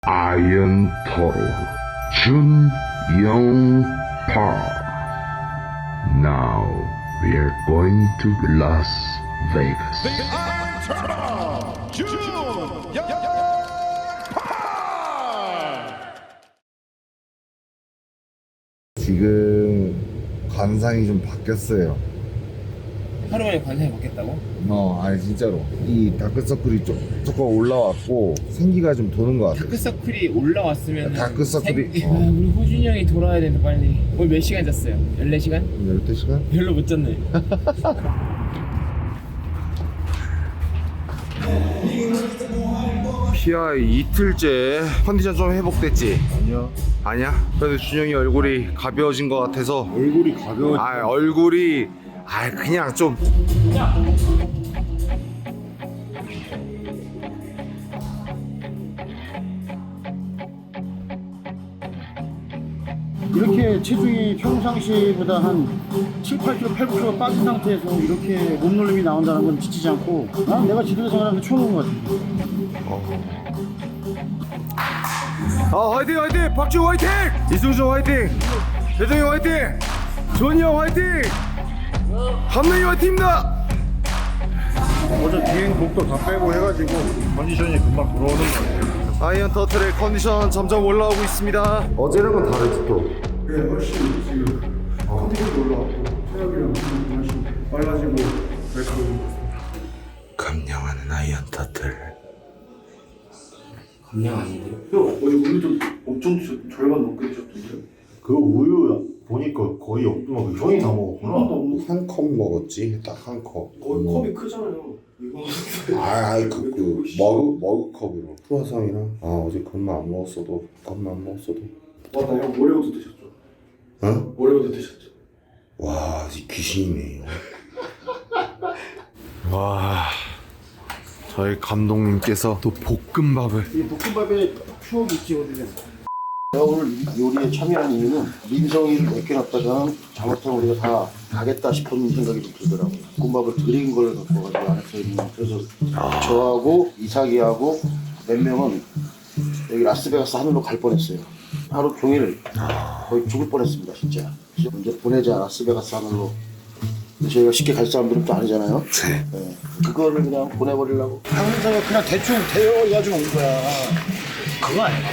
아이언 토로 준영파. Now we are going to Las Vegas. The Iron Turtle, June 지금 관상이 좀 바뀌었어요. 하루 만에 관상이 바뀌었다고? 아니 진짜로 이 다크서클이 조금 올라왔고 생기가 좀 도는 것 같아요. 다크서클이 올라왔으면 다크서클이 우리 호준이 형이 돌아야 되는데 빨리. 오늘 몇 시간 잤어요? 14시간? 12시간? 별로 못 잤네. PI 이틀째 컨디션 좀 회복됐지? 아니야? 그래도 준영이 얼굴이 가벼워진 것 같아서. 얼굴이 가벼워. 얼굴이 그냥 좀 이렇게 체중이 평상시보다 한 7, 8kg, 8kg 빠진 상태에서 이렇게 몸놀림이 나온다는 건 지치지 않고 난 내가 지도자 생활하면서 처음 본 것 같아. 화이팅 화이팅! 박지우 화이팅! 이승준 화이팅! 대정이 화이팅! 조은이 형 화이팅! 감독님 화이팅입니다! 어제 비행복도 다 빼고 해가지고 컨디션이 금방 돌아오는 것 같아요. 아이언 터틀의 컨디션 점점 올라오고 있습니다. 어제랑은 다르지 또. 네, 훨씬 지금 컨디션이 올라왔고 체력이랑 훨씬 빨라지고 그랬고. 감량하는 아이언 터틀. 감량 아닌데요? 형 어제 우유 좀 엄청 절반 넘게 드셨던데요? 그 우유 보니까 거의 없더라고. 형이 다 먹었구나. 한 컵 먹었지. 딱 한 컵. 컵이 크잖아요. 이거 그 머그컵으로. 크루아상이랑 어제 컵만 안 먹었어도 와나 형 모레부터 드셨죠? 어? 모레부터 드셨죠? 와 귀신이네요. 와 저희 감독님께서 또 볶음밥을. 이 볶음밥에 추억이 있지 어디든. 내가 오늘 요리에 참여한 이유는 민성이를 맡겨놨다가 잘못하면 우리가 다 가겠다 싶은 생각이 좀 들더라고요. 볶음밥을 드린 걸 갖고 가지고 안에서 있는. 그래서 저하고 이삭이하고 몇 명은 여기 라스베가스 하늘로 갈 뻔했어요. 하루 종일 거의 죽을 뻔했습니다 진짜. 먼저 보내자 라스베가스 하늘로. 저희가 쉽게 갈 사람들은 또 아니잖아요. 네. 그거를 그냥 보내버리려고. 항상 그냥 대충 대여해가지고 온 거야. 그거 아니야,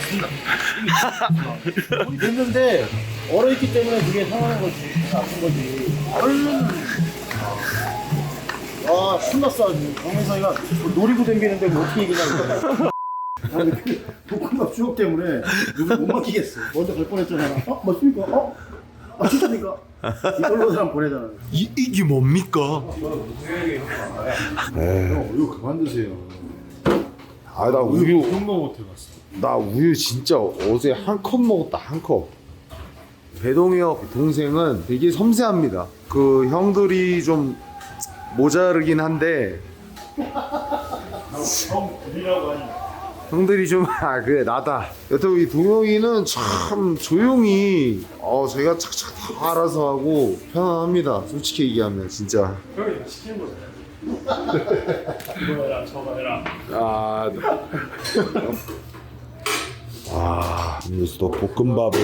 맞습니다. 우리 됐는데 얼어있기 때문에 그게 상하는 거지, 아픈 거지. 얼른. 신났어 아주. 강민성이가 놀이고 댕기는데 뭐 어떻게 얘기냐고. 그 볶음밥 추억 때문에 누구 못 맡기겠어. 먼저 갈 뻔했잖아. 맞습니까? 진짜니까? 이걸로 사람 보내잖아. 이게 뭡니까? 형, 이거 그만 드세요. 나 우유 형도 못해 봤어. 나 우유 진짜 어제 한 컵 먹었다. 한 컵. 배동이 형 동생은 되게 섬세합니다. 그 형들이 좀 모자르긴 한데 형 드리라고 하니. 형들이 좀 그래 나다. 여튼 이 동영이는 참 조용히 저희가 착착 다 알아서 하고 편안합니다. 솔직히 얘기하면 진짜. 형이 시키는 거잖아요. 이거 해라 저거 해라. 여기서 또 볶음밥을.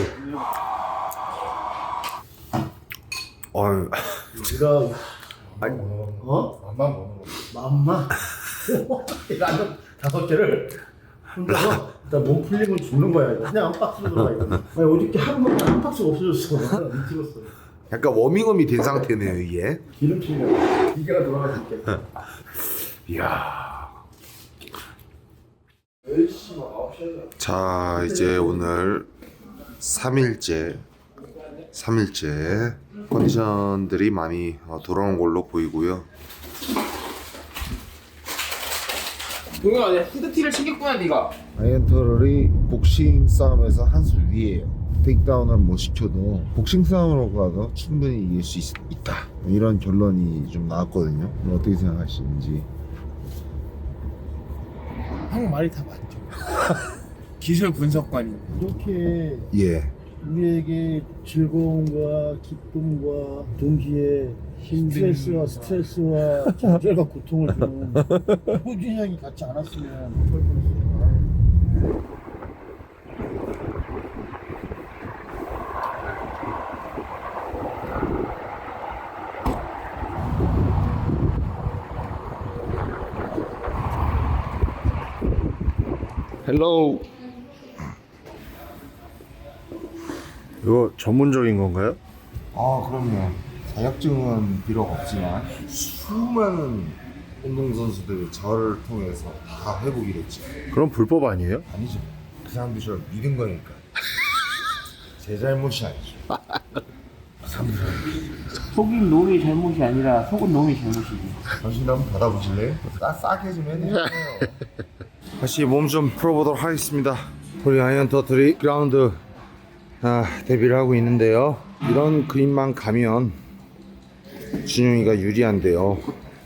우리가 맘만 먹는 거. 맘만? 라면 5개를 혼자서 일단 몸 풀리면 죽는 거야 이거. 그냥 한 박스로 들어가 이거. 아니 어저께 하루 먹고 한 박스가 없어졌어. 미치겠어. 약간 워밍업이 된 상태네요 이게. 기름칠이야. 기계가 돌아가줄게. 이야. 자 이제 오늘 3일째 컨디션들이 많이 돌아온 걸로 보이고요. 동영아 내 후드티를 챙겼구나 네가. 아이언 터럴이 복싱 싸움에서 한 수 위에요. 테이크다운을 못 시켜도 복싱 싸움으로 가도 충분히 이길 수 있다. 이런 결론이 좀 나왔거든요. 어떻게 생각하시는지. 형 말이 다 맞죠. 기술 분석관이. 이렇게 예. 우리에게 즐거움과 기쁨과 동시에 스트레스와 좌절과 고통을 주는 호준이 형이 같이 않았으면 어떨 뻔했을까. 헬로우. 이거 전문적인 건가요? 아, 그럼요. 자격증은 비록 없지만 수많은 운동선수들이 저를 통해서 다 회복이 됐죠. 그럼 불법 아니에요? 아니죠. 그 사람들이 저를 믿은 거니까. 제 잘못이 아니죠. 그 사람들 속인 놈이 잘못이 아니라 속은 놈이 잘못이지. 당신 한번 받아보실래요? 싸게 좀 해주세요. 다시 몸 좀 풀어보도록 하겠습니다. 우리 아이언 터틀이 그라운드 데뷔를 하고 있는데요. 이런 그림만 가면 준용이가 유리한데요.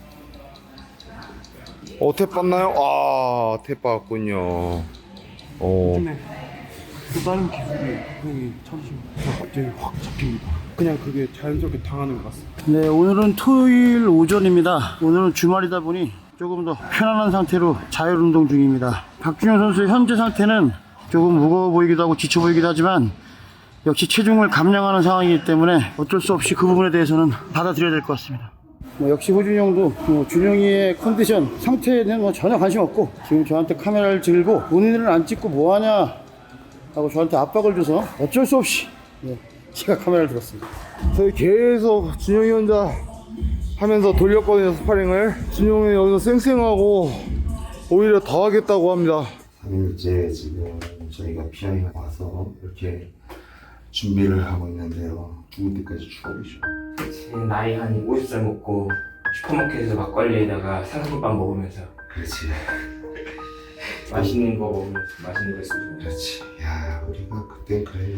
탭 봤나요? 아, 탭 봤군요. 요즘에 또 다른 기술이 형이 찾으시면 갑자기 확 잡힙니다. 그냥 그게 자연스럽게 당하는 것 같습니다. 네, 오늘은 토요일 오전입니다. 오늘은 주말이다 보니 조금 더 편안한 상태로 자율 운동 중입니다. 박준영 선수의 현재 상태는 조금 무거워 보이기도 하고 지쳐 보이기도 하지만 역시 체중을 감량하는 상황이기 때문에 어쩔 수 없이 그 부분에 대해서는 받아들여야 될 것 같습니다. 역시 호준이 형도 준영이의 컨디션 상태에는 전혀 관심 없고 지금 저한테 카메라를 들고 본인은 안 찍고 뭐하냐 하고 저한테 압박을 줘서 어쩔 수 없이 제가 카메라를 들었습니다. 저희 계속 준영이 혼자 하면서 돌렸거든요, 스파링을. 준영이 여기서 쌩쌩하고 오히려 더 하겠다고 합니다. 3일째 지금 저희가 피아노 와서 이렇게 준비를 하고 있는데요. 죽을 때까지 죽어보죠. 제 나이 한 50살 먹고 슈퍼마켓에서 막걸리에다가 삼각김밥 먹으면서 그렇지. 맛있는 거 먹으면서 맛있는 거 쓰고 그렇지. 야, 우리가 그땐 그래.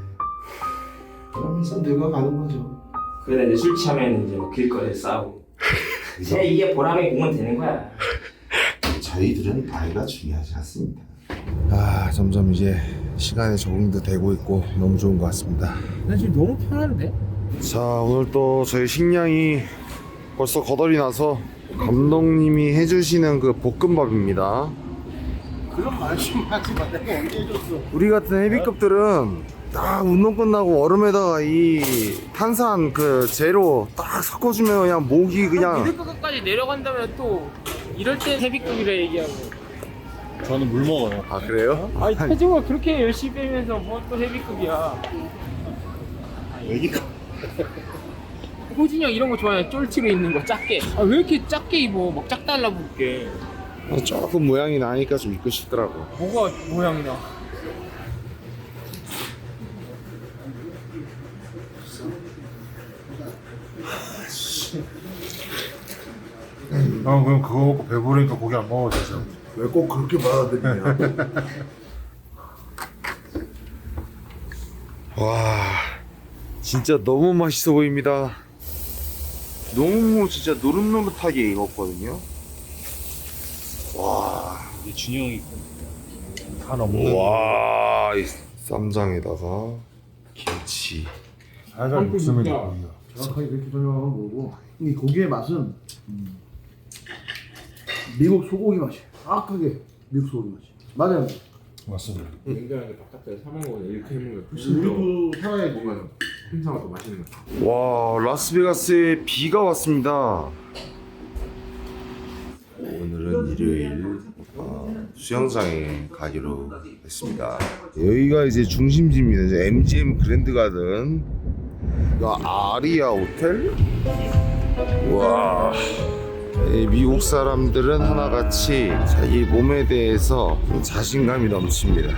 그러면서 늙어가는 거죠. 그러다 이제 술 취하면 이제 막 길거리에서 싸우고 제 이게 보람의 공은 되는 거야. 저희들은 나이가 중요하지 않습니다. 점점 이제 시간에 적응도 되고 있고 너무 좋은 것 같습니다. 나 지금 너무 편한데? 자, 오늘 또 저희 식량이 벌써 거덜이 나서 감독님이 해주시는 그 볶음밥입니다. 그런 말씀 하지 마. 내가 언제 해줬어? 우리 같은 헤비급들은 딱 운동 끝나고 얼음에다가 이 탄산 그 제로 딱 섞어주면 그냥 목이 그냥. 미드급까지 내려간다면 또 이럴 때 헤비급이라 얘기하고. 저는 물 먹어요. 아, 그래요? 아니 체중을 그렇게 열심히 빼면서 뭐 또 헤비급이야. 애기가 호진이 형 이런 거 좋아해. 쫄티로 입는 거 작게. 아 왜 이렇게 작게 입어? 막 짝 달라붙게. 조금 모양이 나니까 좀 입고 싶더라고. 뭐가 모양이 나? 그럼 그거 먹고 배부르니까 고기 안 먹어 진짜. 왜 꼭 그렇게 받아들이냐? 와, 진짜 너무 맛있어 보입니다. 너무 진짜 노릇노릇하게 익었거든요. 와, 이게 준영이 간 없는. 와, 이 쌈장에다가 김치. 살살 육수면 고기야. 정확하게 그렇게 설명하면 뭐고 이 고기의 맛은 미국 소고기 맛이에요. 정확하게 미국 소고기 맛이 맞아요. 맞습니다. 냉장고에 바깥에 사 먹으면 이렇게 해먹으면 우리도 편하게 먹어요. 행사가 더 맛있는 거. 와, 라스베가스에 비가 왔습니다. 오늘은 일요일 수영장에 가기로 했습니다. 여기가 이제 중심지입니다. 이제 MGM 그랜드 가든, 아리아 호텔. 와, 이 미국 사람들은 하나같이 자기 몸에 대해서 좀 자신감이 넘칩니다.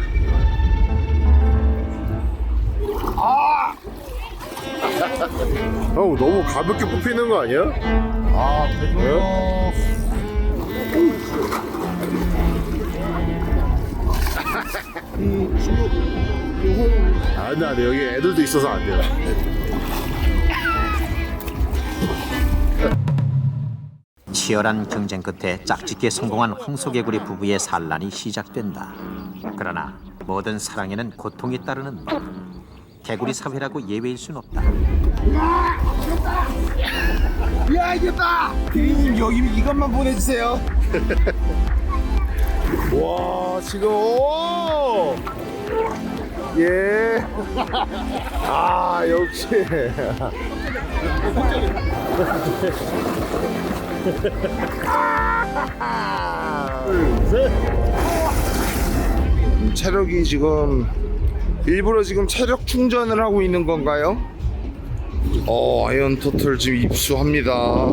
형, 너무 가볍게 뽑히는 거 아니야? 안 돼. 여기 애들도 있어서 안 돼요. 치열한 경쟁 끝에 짝짓기에 성공한 황소개구리 부부의 산란이 시작된다. 그러나 모든 사랑에는 고통이 따르는 법. 개구리 사회라고 예외일 순 없다. 야, 이겼다! 피디님, 여기 이것만 보내주세요. 와, 지금, 오! 예. 역시. 둘, 셋. 체력이 지금 일부러 지금 체력 충전을 하고 있는 건가요? 아이언 토틀 지금 입수합니다.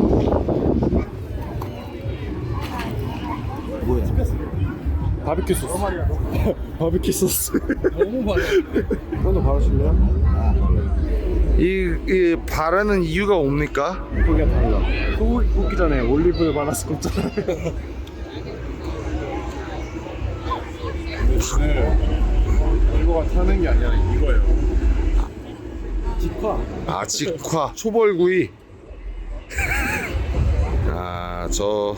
바비큐 소스. 바비큐 소스. 너무 많아. 형도 바르실래요? 이 바르는 이유가 뭡니까? 고기가 달라. 굽기 전에 올리브유 발라서 굽잖아요. 이거가 타는 게 아니라 이거예요. 직화 초벌구이. 저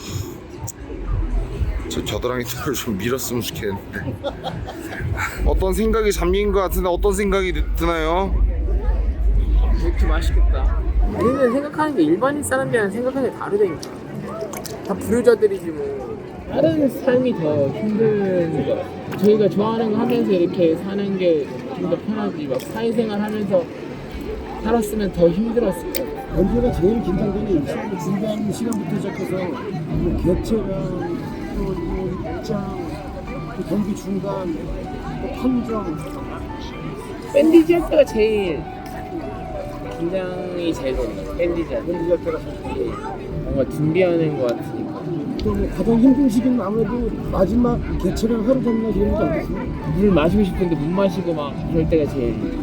겨드랑이 털을 좀 밀었으면 좋겠는데. 어떤 생각이 잠긴 것 같은데 어떤 생각이 드나요? 이렇게 맛있겠다. 우리는 생각하는 게 일반인 사람들이랑 생각하는 게 다르다니까. 다 불효자들이지 뭐. 다른 삶이 더 힘든 거 같아. 저희가 좋아하는 거 하면서 이렇게 사는 게 좀 더 편하지. 막 사회생활 하면서 살았으면 더 힘들었을 거야. 언제가 제일 긴장되는 이 시간을 준비하는 시간부터 시작해서 뭐 개체랑 또 입장, 또 경기 중간, 또 판정. 밴디지 할 때가 제일 긴장이 제일 많아. 밴디지 할 때가 제일 뭔가 준비하는 거 같으니까. 또 가장 힘든 시기는 아무래도 마지막 개체랑 하루 전날 이런 거 아니겠어요? 물 마시고 싶은데 못 마시고 막 그럴 때가 제일.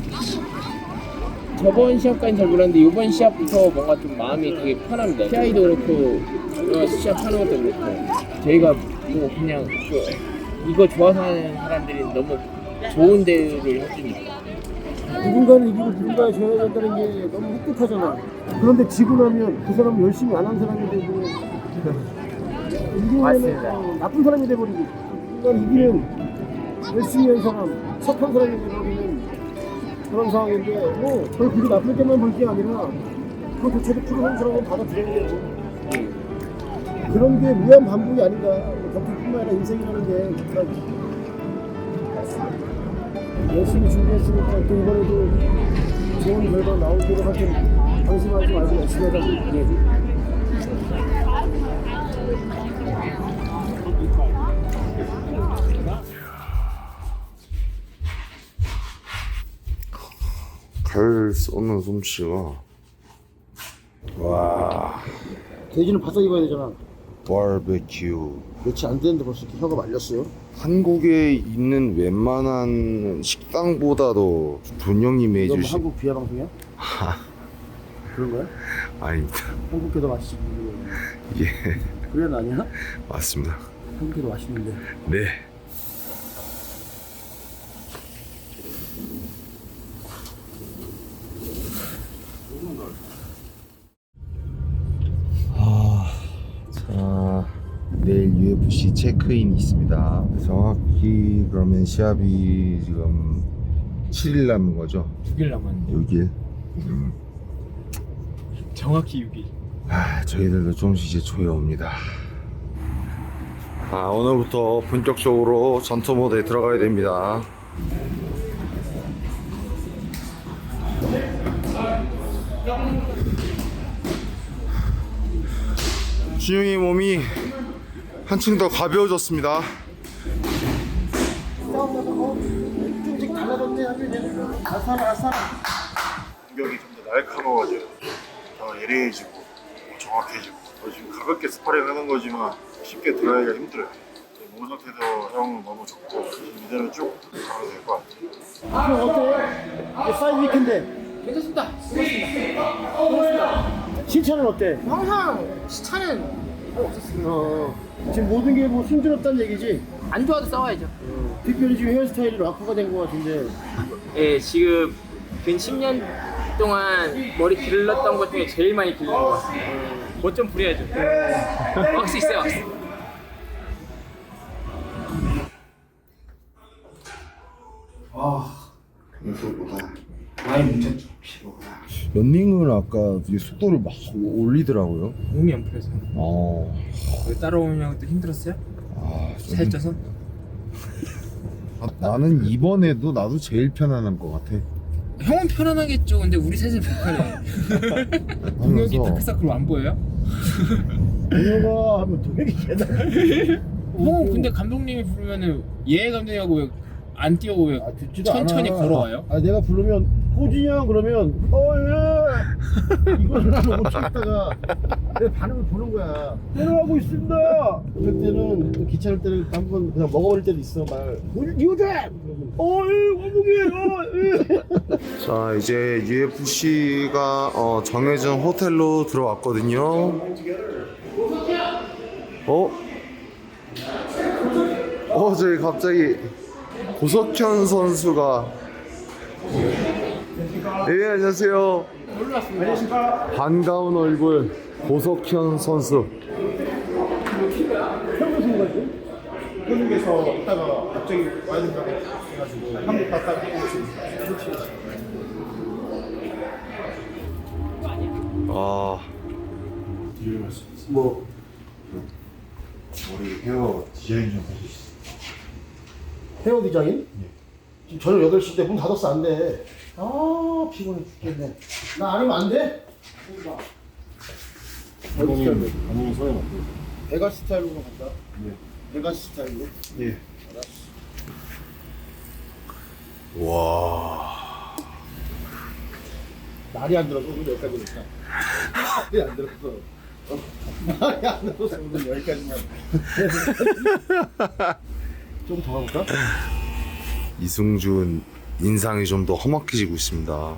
저번 시합까지는 잘 몰랐는데 이번 시합부터 뭔가 좀 마음이 되게 편합니다. PI도 그렇고 시합하는 것도 그렇고 저희가 뭐 그냥 이거 좋아서 하는 사람들이 너무 좋은 대우를 해주니까. 누군가는 이기고 누군가에 줘야 된다는 게 너무 흡족하잖아. 그런데 지고 나면 그 사람은 열심히 안 한 사람이 되고 이기면 나쁜 사람이 돼버리고 누군가는 이기면 열심히 한 사람, 착한 사람이 돼버리는 그런 상황인데 뭐 그걸 그게 나쁠 때만 볼 게 아니라 그 도체를 풀어놓은 사람은 받아들여야 되고 그런 게 무한 반복이 아닌가. 경기뿐만 아니라 인생이라는 게 그런 열심히 준비했으니까 또 이번에도 좋은 결과 나오도록 할 테니 방심하지 말고 열심히 하자고 얘기해줘. 칼 쏘는 솜씨가 와. 돼지는 바싹 입어야 되잖아. 바베큐. 며칠 안 됐는데 벌써 이렇게 혀가 말렸어요. 한국에 있는 웬만한 식당보다도 존영님이 이거 뭐 해주신 한국 비하 방송이야? 그런 거야? 아닙니다. 한국게 더 맛있지. 예, 그래는 아니야? 맞습니다. 한국게 더 맛있는데. 네. 자, 내일 UFC 체크인이 있습니다. 정확히 그러면 시합이 지금 7일 남은 거죠? 6일 남았는데 6일. 정확히 6일. 저희들도 조금씩 이제 조여옵니다. 오늘부터 본격적으로 전투 모드에 들어가야 됩니다. 준영이 몸이 한층 더 가벼워졌습니다. 좀씩 달라졌네 하면 아싸라. 공격이 좀 더 날카로워져요. 더 예리해지고 정확해지고. 지금 가볍게 스파링 하는 거지만 쉽게 들어가기가 힘들어요. 몸 상태도 형 너무 좋고 이대로 쭉 가면 될 것 같아요. 형 어때? 사이드 위크인데 괜찮습니다. 고맙습니다. 신차는 어때? 항상 시차는 없었습니다. 지금 모든 게 뭐 힘들었다는 얘기지? 안 좋아도 싸워야죠. 특별히 지금 헤어스타일이 락커가 된 것 같은데 예, 지금 근 10년 동안 머리 길렀던 것 중에 제일 많이 길른 것 같습니다. 뭐 좀 부려야죠. 왁스 있어요, 왁스. 많이 뭉쳤죠. 런닝을 아까 되게 속도를 막 올리더라고요. 몸이 안 풀려서요. 왜 따라오냐고 또 힘들었어요? 살쪄서? 나는 이번에도 나도 제일 편안한 것 같아. 형은 편안하겠죠. 근데 우리 셋은 불편해. 동혁이 다크서클 안 보여요? 동혁아 하면 동혁이 계단 형은 근데 감독님이 부르면은 예 감독님하고 왜 안 뛰어오고 왜 듣지도 천천히 않아. 걸어와요? 내가 부르면 호진이 형 그러면 예 이거를 하면 못 참다가 내 반응을 보는 거야. 내려가고 있습니다. 그럴 때는 또 귀찮을 때는 한번 그냥 먹어버릴 때도 있어. 이거다. 자, 이제 UFC가 정해진 호텔로 들어왔거든요. 저기 갑자기 고석현 선수가 네, 안녕하세요. 반가운 얼굴 고석현 선수. 한국에서 있다가 갑자기 와야 된다고 해가지고 한국 갔다가 뭐 머리 헤어 디자인 좀 해주시죠. 헤어 디자인? 지금 저녁 8시인데 문 닫았어. 안 돼. 피곤해 죽겠네. 나 아니면 안 돼? 감독님 소개 어때요? 베가 스타일로 간다. 베가 스타일로. 예. 와. 날이 안 들어서 오늘 여기까지 오니까. 날이 안 들어서. 날이 안 들어서 오늘 여기까지만. 좀 더 가볼까? 이승준 인상이 좀 더 험악해지고 있습니다.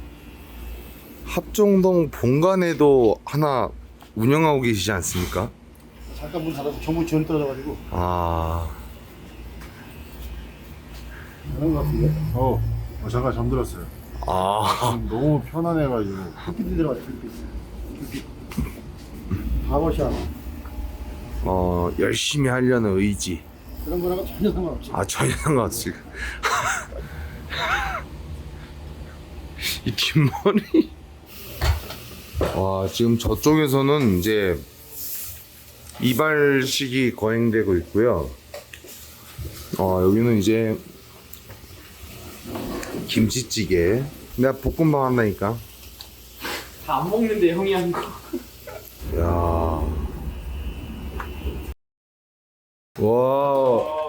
합정동 본관에도 하나 운영하고 계시지 않습니까? 잠깐 문 닫아서 정부 지원 떨어져가지고. 그런 것 같은데? 잠깐 잠들었어요. 지금 너무 편안해가지고. 불빛이 들어가죠. 불빛. 바버샵. 열심히 하려는 의지. 그런 거랑은 전혀 상관없지. 전혀 상관없지. 이 뒷머리. 지금 저쪽에서는 이제 이발식이 거행되고 있고요. 여기는 이제 김치찌개. 내가 볶음밥 한다니까. 다 안 먹는데 형이 한 거. 야. 와.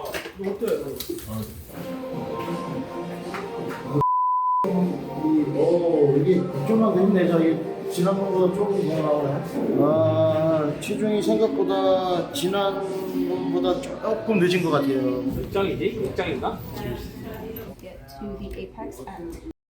이게 좀만 됐네. 저기 지난번보다 조금 더 나오네. 체중이 생각보다 지난번보다 조금 늦은 것 같아요. 몇 장이지? 6장인가? get to the apex end.